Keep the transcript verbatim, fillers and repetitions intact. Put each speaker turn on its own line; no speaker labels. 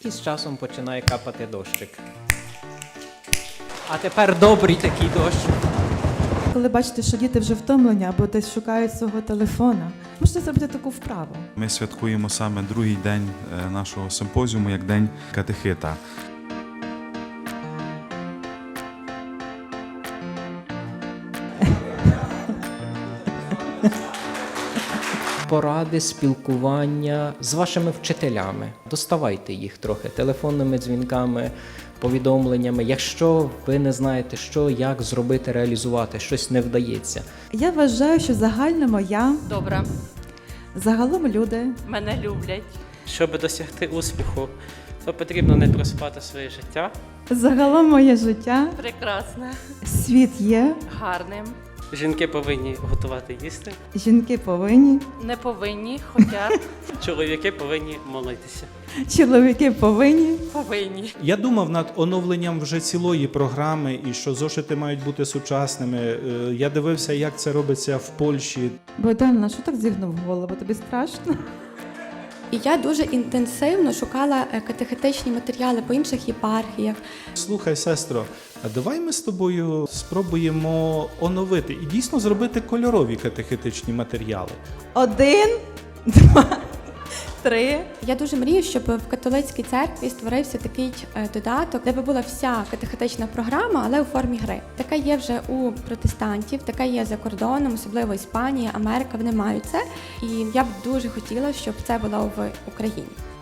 І з часом починає капати дощик. А тепер добрий такий дощ.
Коли бачите, що діти вже втомлені або десь шукають свого телефона, можете зробити таку вправу.
Ми святкуємо саме другий день е, нашого симпозіуму як День катехита.
Поради, спілкування з вашими вчителями. Доставайте їх трохи телефонними дзвінками, повідомленнями. Якщо ви не знаєте, що, як зробити, реалізувати, щось не вдається.
Я вважаю, що загальному я,
Добре,
загалом люди,
мене люблять.
Щоб досягти успіху, то потрібно не проспати своє життя.
загалом моє життя,
Прекрасне,
світ є,
гарним.
Жінки повинні готувати їсти,
жінки повинні,
Не повинні, хоча
чоловіки повинні молитися.
чоловіки повинні.
повинні.
Я думав над оновленням вже цілої програми і що зошити мають бути сучасними. Е, Я дивився, як це робиться в Польщі.
Богдана, що так зігнув голову? Тобі страшно?
І я дуже інтенсивно шукала е, катехетичні матеріали по інших єпархіях.
Слухай, сестро, а давай ми з тобою спробуємо оновити і дійсно зробити кольорові катехетичні матеріали.
Один, два, три.
Я дуже мрію, щоб в католицькій церкві створився такий е, додаток, де би була вся катехетична програма, але у формі гри. Така є вже у протестантів, така є за кордоном, особливо Іспанія, Америка, вони мають це. І я б дуже хотіла, щоб це було в Україні.